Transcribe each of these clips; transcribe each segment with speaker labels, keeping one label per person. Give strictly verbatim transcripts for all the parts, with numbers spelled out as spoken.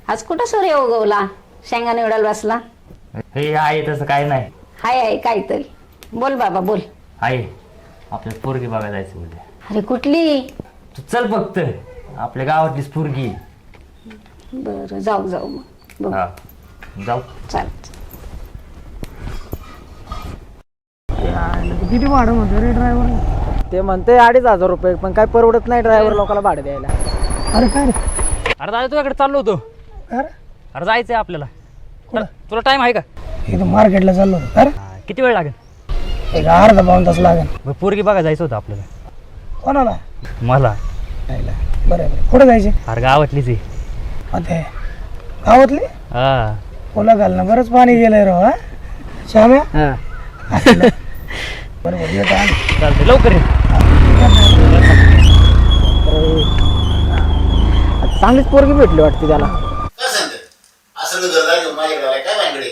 Speaker 1: आज कुठं सूर्य उगवला शेंगा निवडायला बसला?
Speaker 2: हे आहे तसं काय नाही.
Speaker 1: हाय आहे काहीतरी. बोल बाबा बोल.
Speaker 2: आहे आपल्या पोरगी बघायला जायचं उद्या.
Speaker 1: अरे कुठली?
Speaker 2: तू चल फक्त आपल्या गावातलीच पोरगी.
Speaker 1: बरं जाऊ जाऊ मग बघू.
Speaker 2: हा जाऊ.
Speaker 1: चाल.
Speaker 3: किती भाडं म्हणतो रे ड्रायव्हर? ते म्हणते अडीच हजार रुपये, पण काय परवडत नाही ड्रायव्हर लोकांना भाडं द्यायला. अरे काय रे?
Speaker 2: अरे दादा तुझ्याकडे चाललो होतो.
Speaker 3: अरे
Speaker 2: अरे जायचंय आपल्याला. तुला टाइम आहे का?
Speaker 3: इथं मार्केटला चाललो होतो. अरे
Speaker 2: किती वेळ लागेल?
Speaker 3: एक अर्धा पाऊण तास लागेल.
Speaker 2: मग पोरगी बघा जायचं होतं आपल्याला.
Speaker 3: कोणाला?
Speaker 2: मला.
Speaker 3: बरं बरं कुठं जायचे?
Speaker 2: अरे गावातलीच आहे.
Speaker 3: आता गावातली
Speaker 2: हा
Speaker 3: ओला घाल ना, बरंच पाणी गेलंय राव. हा श्याम्या बरोबर येत आहे.
Speaker 2: चालतंय लवकर ये.
Speaker 3: चांगलीच पोरगी भेटली वाटते त्याला.
Speaker 4: काय सांगते असं घरदार घेऊन माझ्या घराला काय भानगडे?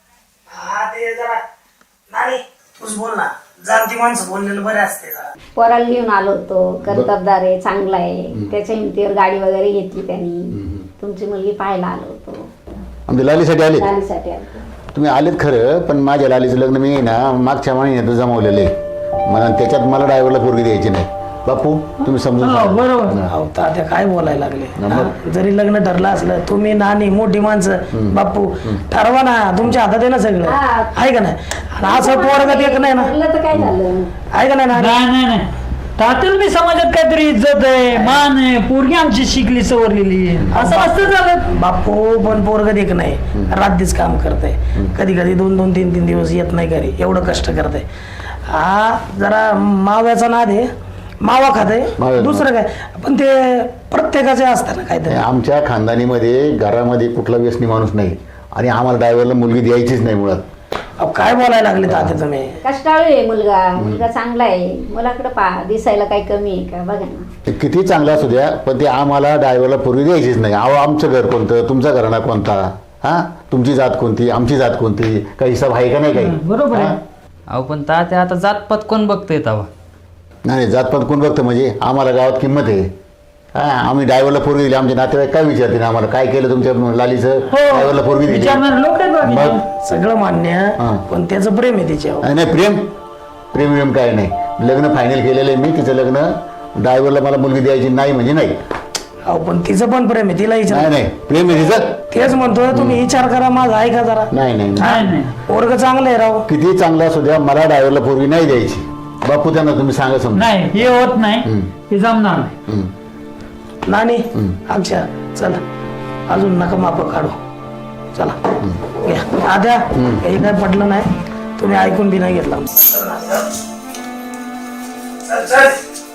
Speaker 3: हा ते जरा नाही तूच बोल ना, जाणती माणसं बोललेलं बरे असते.
Speaker 1: पोराला घेऊन आलो होतो. कर्तबदार आहे, चांगला आहे. त्याच्या हिमतीवर गाडी वगैरे घेतली त्यांनी. तुमची मुलगी पाहायला आलो होतो.
Speaker 4: आमच्या लालीसाठी आले.
Speaker 1: लालीसाठी आलो.
Speaker 4: तुम्ही आलेत खरं, पण माझ्या लालीचं लग्न मी ना मागच्या महिन्यात जमवलेलं आहे. मला त्याच्यात मला ड्रायव्हरला पोरगी द्यायची नाही. बापू तुम्ही समजून सांगा.
Speaker 3: बरोबर. अहो तात्या काय बोलायला लागले? हा? जरी लग्न ठरलं असलं, तुम्ही नानी मोठी माणसं बापू ठरवा ना, तुमच्या हातात आहे ना सगळं.
Speaker 1: हा.
Speaker 3: आहे का नाही? आणि असं पोरगत एक नाही ना,
Speaker 1: ठरलं तर काय झालं?
Speaker 3: आहे का नाही नानी?
Speaker 5: नाही नाही नाही तातील मी समाजात काहीतरी इज्जत आहे, मान आहे, पोरगी आमची शिकली सवरलेली असं असतं झालं.
Speaker 3: बापू पण पोरगत एक नाही, रात्रीच काम करते. कधी कधी दोन दोन तीन तीन दिवस येत नाही घरी, एवढं कष्ट करते. हा जरा माव्याचा नाद आहे, मावा खाते
Speaker 4: मावा.
Speaker 3: दुसरं काय, पण ते प्रत्येकाचे असतं ना काहीतरी.
Speaker 4: आमच्या खानदानीमध्ये घरामध्ये कुठला व्यसनी माणूस नाही, आणि आम्हाला ड्रायव्हरला मुलगी द्यायचीच नाही मुळात.
Speaker 3: अहो काय बोलायला लागले तात्या तुम्ही?
Speaker 1: कष्टाळू आहे मुलगा. मुलगा चांगला आहे. मुलाकडे पहा, दिसायला काही कमी आहे का? बघा ना.
Speaker 4: ते किती चांगला असू द्या, पण ते आम्हाला ड्रायव्हरला पोरगी द्यायचीच नाही. अहो आमचं घर कोणतं, तुमचा घराणा कोणता, हा तुमची जात कोणती, आमची जात कोणती, काही हिसाब आहे का नाही काही?
Speaker 5: बरोबर आहे.
Speaker 4: हा?
Speaker 2: अहो पण तात्या आता जातपात कोण बघतोय तवा?
Speaker 4: नाही नाही, जातपात कोण बघतं म्हणजे? आम्हाला गावात किंमत आहे. हा आम्ही ड्रायव्हरला पोरगी दिली, आमचे नातेवाईक काय विचारतील आम्हाला? काय केलं तुमच्या लालीचं? ड्रायव्हरला पोरगी दिली.
Speaker 5: विचारणार लोक आहेत बाकी.
Speaker 4: मग
Speaker 3: सगळं मान्य,
Speaker 4: हा.
Speaker 3: पण त्याचं प्रेम आहे तिच्यावर.
Speaker 4: नाही नाही, प्रेम प्रेम प्रेम काय नाही. लग्न फायनल केलेलं आहे मी. तिचं लग्न ड्रायव्हरला मला मुलगी द्यायची नाही म्हणजे नाही.
Speaker 3: अहो पण तिचं पण प्रेम आहे, तिला
Speaker 4: नाही
Speaker 3: विचार.
Speaker 4: नाही, प्रेम आहे तिचं.
Speaker 3: तेच म्हणतोय, तुम्ही विचार करा माझा, ऐका जरा.
Speaker 4: नाही नाही नाही.
Speaker 5: नाही नाही
Speaker 3: पोरग चांगलं आहे राव.
Speaker 4: किती चांगला असू द्या, मला ड्रायव्हरला पोरगी नाही द्यायची. बापू त्यांना तुम्ही सांगा समजा.
Speaker 5: नाही हे होत नाही,
Speaker 4: हम्म.
Speaker 5: हे जमणार नाही.
Speaker 4: हम्म.
Speaker 3: नानी अक्षा चला, अजून नका माप काढू. चला घ्या आद्या, हे काय पटलं नाही, तुम्ही ऐकून बी नाही घेतला. चल, चल.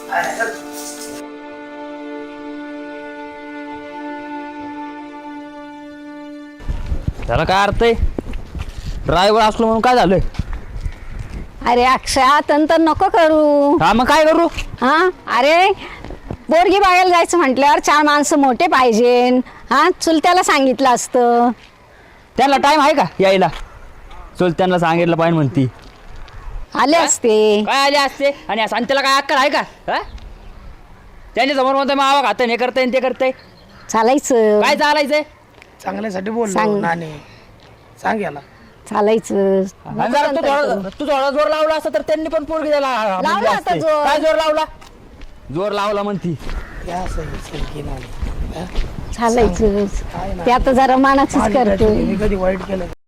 Speaker 2: त्याला काय अर्थ आहे? ड्रायव्हर असलो म्हणून काय झालंय?
Speaker 1: अरे अक्षय तंतर नको करू.
Speaker 2: हा मग काय करू?
Speaker 1: हा अरे पोरगी बघायला जायचं म्हटल्यावर चार माणसं मोठे पाहिजे. हा चुलत्याला सांगितलं असतं.
Speaker 2: त्यांना टाइम आहे का यायला? चल त्यांना सांगितलं पाहिजे म्हणती.
Speaker 1: आले असते.
Speaker 2: काय आले असते? आणि असं आणि त्याला काय अक्कल आहे का? हा त्यांच्या समोर म्हणतोय मावा खातं, हे करतंय ते करतंय.
Speaker 1: चालायचं.
Speaker 2: काय चालायचंय?
Speaker 3: चांगल्यासाठी बोललो
Speaker 1: सांग.
Speaker 3: नानी, सांग याला.
Speaker 1: चालायचं.
Speaker 2: आणि जरा तू थोडा तू थोडा जोर लावला असता तर त्यांनी पण पोरगी द्यायला
Speaker 1: लावला
Speaker 2: म्हणली
Speaker 1: आता
Speaker 2: असती.
Speaker 1: जोर.
Speaker 2: काय जोर लावला? जोर लावला म्हणती.
Speaker 3: या सही, सही नानी.
Speaker 1: चालायचं. ते आता जरा मानाचीच
Speaker 3: माझी
Speaker 1: करतोय.
Speaker 3: मी कधी वाईट केलं?